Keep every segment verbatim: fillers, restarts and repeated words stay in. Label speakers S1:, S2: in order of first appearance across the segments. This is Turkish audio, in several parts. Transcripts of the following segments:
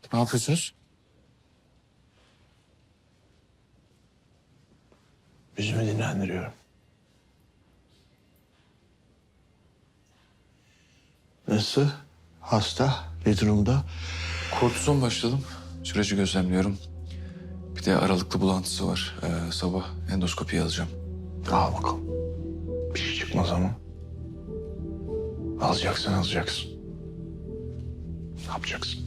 S1: Ne yapıyorsunuz?
S2: Yüzümü dinlendiriyorum. Nasıl? Hasta? Ne durumda?
S1: Kortizon başladım. Süreci gözlemliyorum. Bir de aralıklı bulantısı var. Ee, sabah endoskopi alacağım.
S2: Al bakalım. Bir şey çıkmaz ama. Alacaksın, alacaksın. Ne yapacaksın?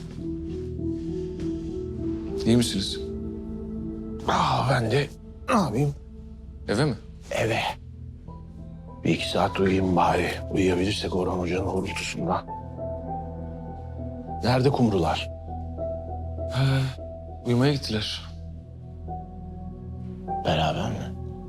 S1: İyi misiniz?
S2: Aa, ben de ne yapayım?
S1: Eve mi?
S2: Eve. Bir iki saat uyuyayım bari. Uyuyabilirsek Orhan Hoca'nın horultusundan. Nerede kumrular?
S1: He, uyumaya gittiler.
S2: Beraber mi?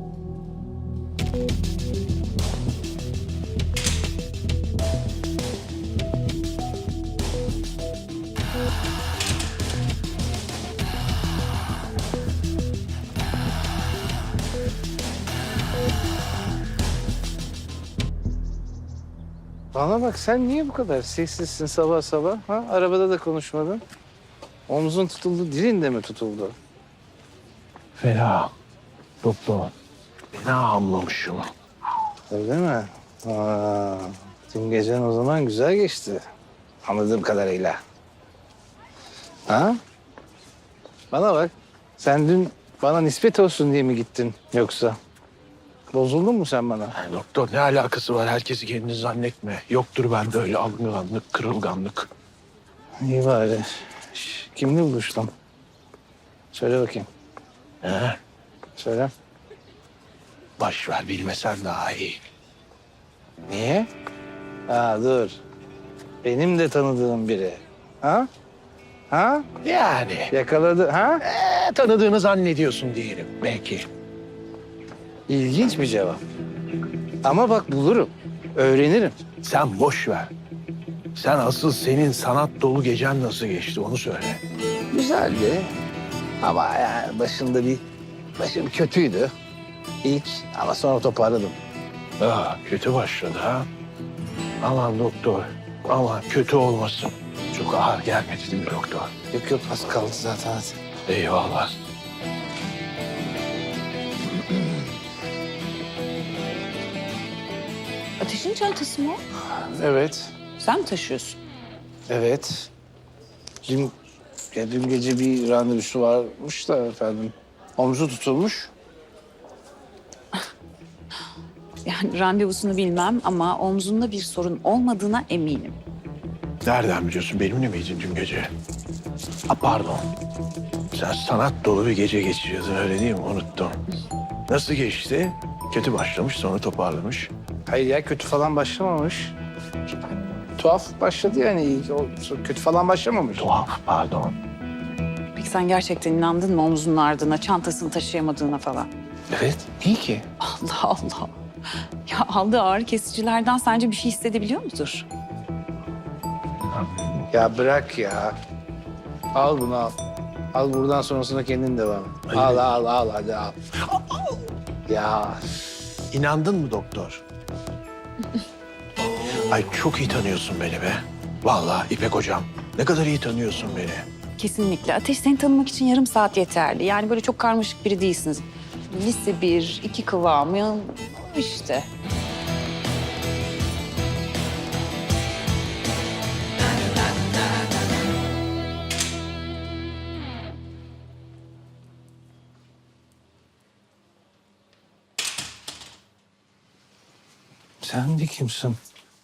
S3: Bana bak, sen niye bu kadar sessizsin sabah sabah? Ha? Arabada da konuşmadın. Omzun tutuldu, dilin de mi tutuldu?
S2: Fena. Doktor. Fena hamlamışım.
S3: Öyle mi? Aa, dün gecen o zaman güzel geçti. Anladığım kadarıyla. Ha? Bana bak, sen dün bana nispet olsun diye mi gittin yoksa? Bozuldun mu sen bana?
S2: Yani doktor, ne alakası var? Herkesi kendini zannetme. Yoktur bende öyle alınganlık, kırılganlık.
S3: İyi bari. Şş, kimle buluştun? Söyle bakayım,
S2: He?
S3: söyle.
S2: Baş ver, bilmesen daha iyi.
S3: Niye? Ha dur. Benim de tanıdığım biri. Ha? Ha?
S2: Yani
S3: Yakaladı. Ha?
S2: ee, tanıdığını zannediyorsun diyelim belki.
S3: İlginç bir cevap. Ama bak bulurum. Öğrenirim.
S2: Sen boş ver. Sen asıl senin sanat dolu gecen nasıl geçti onu söyle.
S3: Güzeldi. Ama yani başında bir... Başım kötüydü. İlk ama sonra toparladım.
S2: Aa, kötü başladı ha. Aman doktor, aman kötü olmasın. Çok ağır gelmedi değil mi doktor?
S3: Yok yok, az kaldı zaten. Hadi.
S2: Eyvallah.
S4: Ateşin çantası mı o?
S3: Evet.
S4: Sen mi taşıyorsun?
S3: Evet. Dün, ya dün gece bir randevusu varmış da efendim. Omzu tutulmuş.
S4: Yani randevusunu bilmem ama omzunda bir sorun olmadığına eminim.
S2: Nereden biliyorsun? Benimle miydin dün gece? Ha, pardon. Sen sanat dolu bir gece geçiriyordun öyle değil mi? Unuttum. Nasıl geçti? Kötü başlamış sonra toparlamış.
S3: Hayır ya, kötü falan başlamamış. Tuhaf başladı yani. İlk o kötü falan başlamamış.
S2: Tuhaf pardon.
S4: Peki sen gerçekten inandın mı omzunun ardına, çantasını taşıyamadığına falan?
S3: Evet. Niye ki?
S4: Allah Allah. Ya aldığı ağrı kesicilerden sence bir şey hissedebiliyor mudur?
S3: Ya bırak ya. Al bunu al. Al, buradan sonrasına kendin devam et.
S2: Hayır.
S3: Al al al hadi al. Ya
S2: İnandın mı doktor? Ay çok iyi tanıyorsun beni be. Vallahi İpek hocam. Ne kadar iyi tanıyorsun beni.
S4: Kesinlikle. Ateş seni tanımak için yarım saat yeterli. Yani böyle çok karmaşık biri değilsiniz. Lise bir, iki kıvamı işte.
S3: sen de kimsin?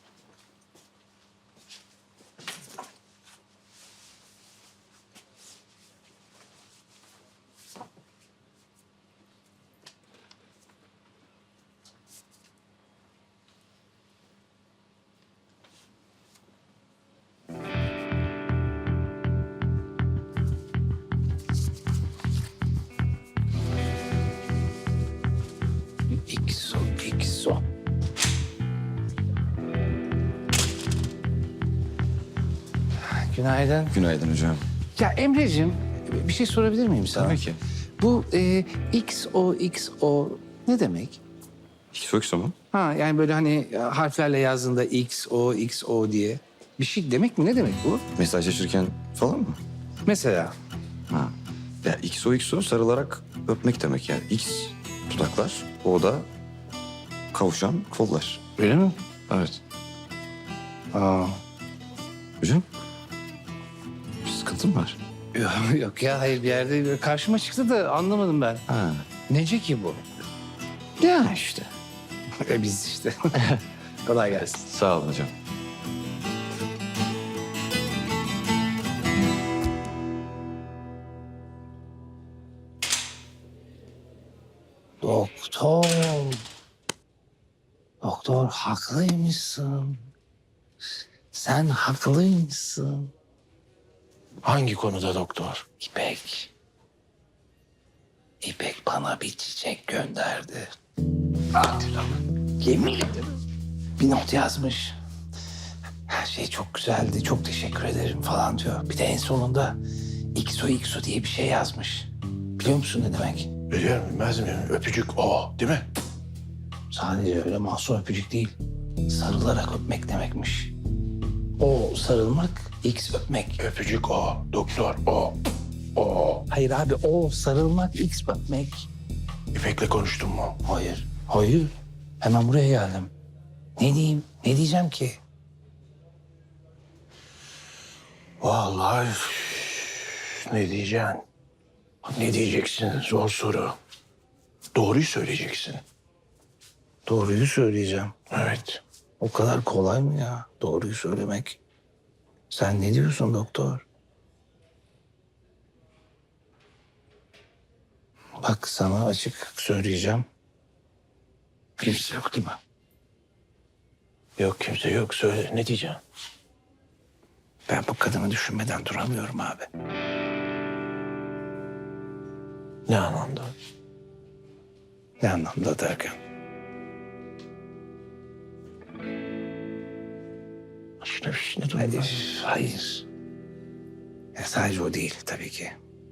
S3: İkso, ikso. Günaydın.
S1: Günaydın hocam.
S3: Ya Emre'cim, bir şey sorabilir miyim sana?
S1: Tabii ki.
S3: Bu e, X O X O ne demek?
S1: Xbox mu?
S3: Ha yani böyle hani harflerle yazdığında X O X O diye bir şey demek mi? Ne demek bu?
S1: Mesajlaşırken falan mı?
S3: Mesela
S5: Ha. Ya X O X O sarılarak öpmek demek yani. X dudaklar, O da kavuşan kollar.
S3: öyle mi?
S5: Evet.
S3: Aa.
S5: Hocam, bir sıkıntı mı var?
S3: Yok, yok ya hayır bir yerde böyle karşıma çıktı da anlamadım ben.
S5: Ha.
S3: Nece ki bu? Ya işte. E biz işte. Kolay gelsin.
S5: Sağ olun hocam.
S3: Doktor. Doktor haklıymışsın. Sen haklıymışsın.
S2: Hangi konuda doktor?
S3: İpek. İpek bana bir çiçek gönderdi. Hadi lan. Yemin ederim. Bir not yazmış. Her şey çok güzeldi, çok teşekkür ederim falan diyor. Bir de en sonunda X O X O diye bir şey yazmış. Biliyor musun ne demek?
S2: Biliyorum, bilmez miyim? Öpücük o, değil mi?
S3: Sadece öyle masum öpücük değil. Sarılarak öpmek demekmiş. O sarılmak, X öpmek.
S2: Öpücük o, doktor o, o.
S3: Hayır abi o sarılmak, X öpmek.
S2: İpek'le konuştun mu?
S3: Hayır. Hayır. Hemen buraya geldim. Ne diyeyim? Ne diyeceğim ki?
S2: Vallahi üf, ne diyeceksin? Ne diyeceksin? Zor soru. Doğruyu söyleyeceksin.
S3: Doğruyu söyleyeceğim.
S2: Evet.
S3: O kadar kolay mı ya doğruyu söylemek? Sen ne diyorsun doktor? Bak sana açık söyleyeceğim. Kimse yok değil mi?
S2: Yok kimse yok. Söyle ne diyeceksin?
S3: Ben bu kadını düşünmeden duramıyorum abi.
S2: Ne anlamda?
S3: Ne anlamda derken?
S2: Başına bir şey ne
S3: Hayır, hayır. Ya sadece o değil tabii ki.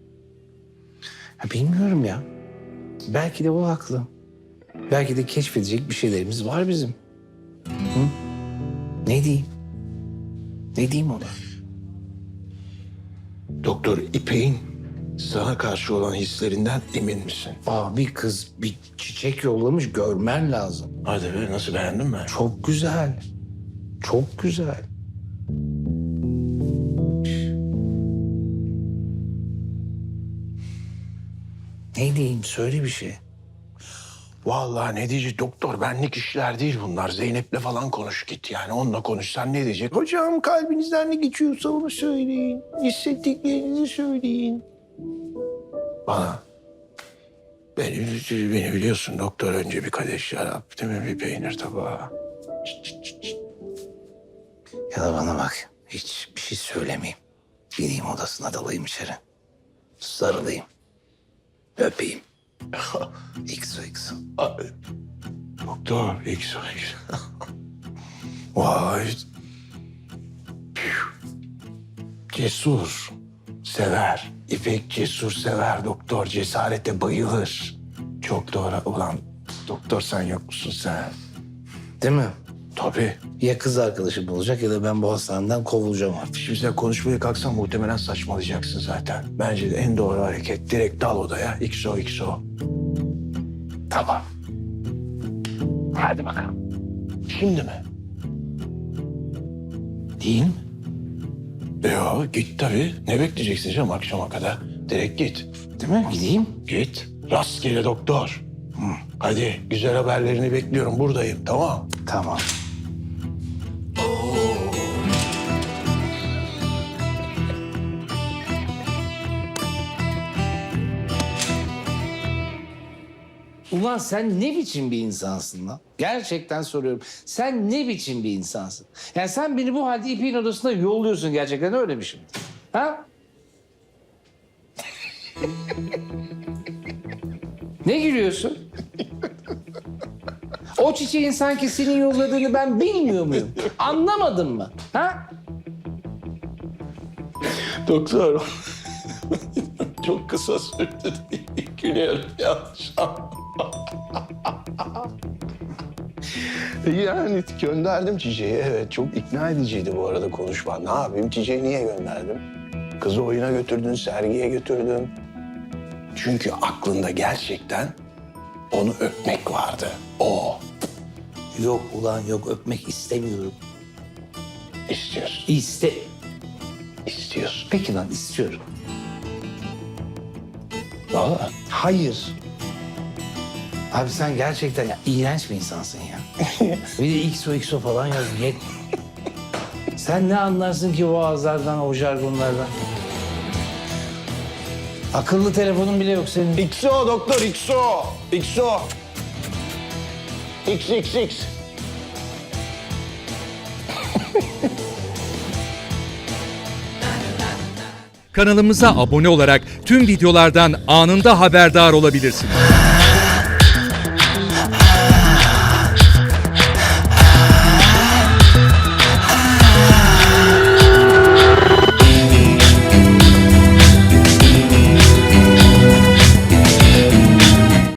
S3: Ya bilmiyorum ya. Belki de o haklı. Belki de keşfedecek bir şeylerimiz var bizim. Hı? Ne diyeyim? Ne diyeyim ona?
S2: Doktor İpek'in sana karşı olan hislerinden emin misin?
S3: Aa, bir kız bir çiçek yollamış görmen lazım.
S2: Hadi be nasıl beğendin mi?
S3: Çok güzel. Çok güzel. Ne diyeyim söyle bir şey.
S2: Vallahi ne diyecek doktor benlik işler değil bunlar. Zeynep'le falan konuş git yani onunla konuşsan ne diyecek? Hocam kalbinizden ne geçiyorsa onu söyleyin. Hissettiklerinizi söyleyin. Bana. Beni, beni biliyorsun doktor önce bir kadeh şarap değil mi bir peynir tabağı. Çıt çıt çıt çıt.
S3: Ya da bana bak hiç bir şey söylemeyeyim. Gideyim odasına dalayım içeri. Sarılayım. Öpeyim. X O X O.
S2: Aa, Doktor X O X. Vay. Püh. Cesur. Sever. İpek cesur sever doktor. Cesarete bayılır. Çok doğru. Ulan doktor sen yok musun sen?
S3: Değil mi?
S2: Tabii.
S3: Ya kız arkadaşı bulacak ya da ben bu hastaneden kovulacağım artık.
S2: Şimdi sen konuşmaya kalksan muhtemelen saçmalayacaksın zaten. Bence de en doğru hareket direkt dal odaya. X O X O.
S3: Tamam. Hadi bakalım.
S2: Şimdi mi?
S3: Değil mi?
S2: Yo git tabii. Ne bekleyeceksin canım akşama kadar? Direkt git.
S3: Değil mi? Gideyim.
S2: Git. Rastgele doktor. Hı. Hadi güzel haberlerini bekliyorum. Buradayım tamam.
S3: Tamam. Ulan sen ne biçim bir insansın lan? Gerçekten soruyorum. Sen ne biçim bir insansın? Yani sen beni bu halde İpek'in odasına yolluyorsun gerçekten öyle mi şimdi? Ha? Ne gülüyorsun? O çiçeğin sanki senin yolladığını ben bilmiyor muyum? Anlamadın mı? Ha?
S2: Doktor. Çok kısa sürdü. Gülüyorum yanlış. Yani gönderdim çiçeği. Evet çok ikna ediciydi bu arada konuşma. Ne yapayım çiçeği niye gönderdim? Kızı oyuna götürdün, sergiye götürdün. Çünkü aklında gerçekten onu öpmek vardı. O
S3: Yok ulan yok, öpmek istemiyorum.
S2: istiyorsun,
S3: İste...
S2: istiyorsun.
S3: Peki lan, istiyorum.
S2: Valla.
S3: Hayır. Abi sen gerçekten ya, iğrenç bir insansın ya. Bir de X O X O falan yaz. Yet. Sen ne anlarsın ki o ağızlardan, o jargonlardan? Akıllı telefonun bile yok senin.
S2: X O doktor, X O. X O. X X X.
S6: Kanalımıza abone olarak tüm videolardan anında haberdar olabilirsiniz.